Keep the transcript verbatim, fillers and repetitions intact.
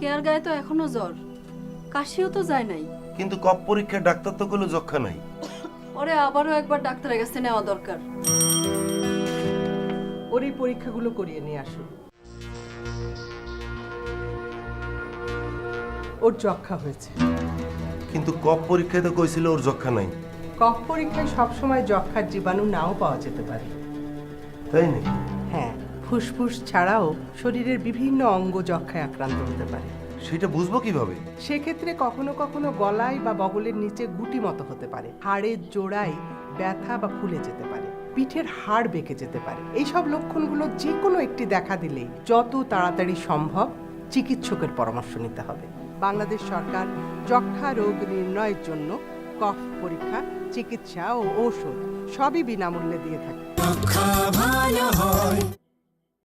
Care গায়ে তো এখনো জ্বর, কাশিও তো যায় নাই। কিন্তু কপ পরীক্ষায় ডাক্তার তো কোনো যক্ষা নাই। ওরে আবারও একবার ডাক্তারের কাছে নেওয়া দরকার। ওর এই পরীক্ষাগুলো করিয়ে নিয়ে আসুন। ওর যক্ষা হয়েছে। কিন্তু কপ পরীক্ষায় তো কইছিল ওর যক্ষা নাই। কফ পরীক্ষায় সবসময় যক্ষার জীবাণু নাও পাওয়া যেতে পারে। তাই নাকি? হ্যাঁ, ফুসফুস ছাড়াও শরীরের বিভিন্ন অঙ্গ যক্ষায় আক্রান্ত হতে পারে। সেটা বুঝবো কিভাবে? সেক্ষেত্রে কখনো কখনো গলায় বা বগলের নিচে গুটি মতো হতে পারে, হাড়ের জোড়ায় ব্যথা বা ফুলে যেতে পারে, পিঠের হাড় বেঁকে যেতে পারে। এইসব লক্ষণগুলো যে কোনো একটি দেখা দিলেই যত তাড়াতাড়ি সম্ভব চিকিৎসকের পরামর্শ নিতে হবে। বাংলাদেশ সরকার যক্ষা রোগ নির্ণয়ের জন্য কফ পরীক্ষা, চিকিৎসা ও ঔষধ সবই বিনামূল্যে দিয়ে থাকে।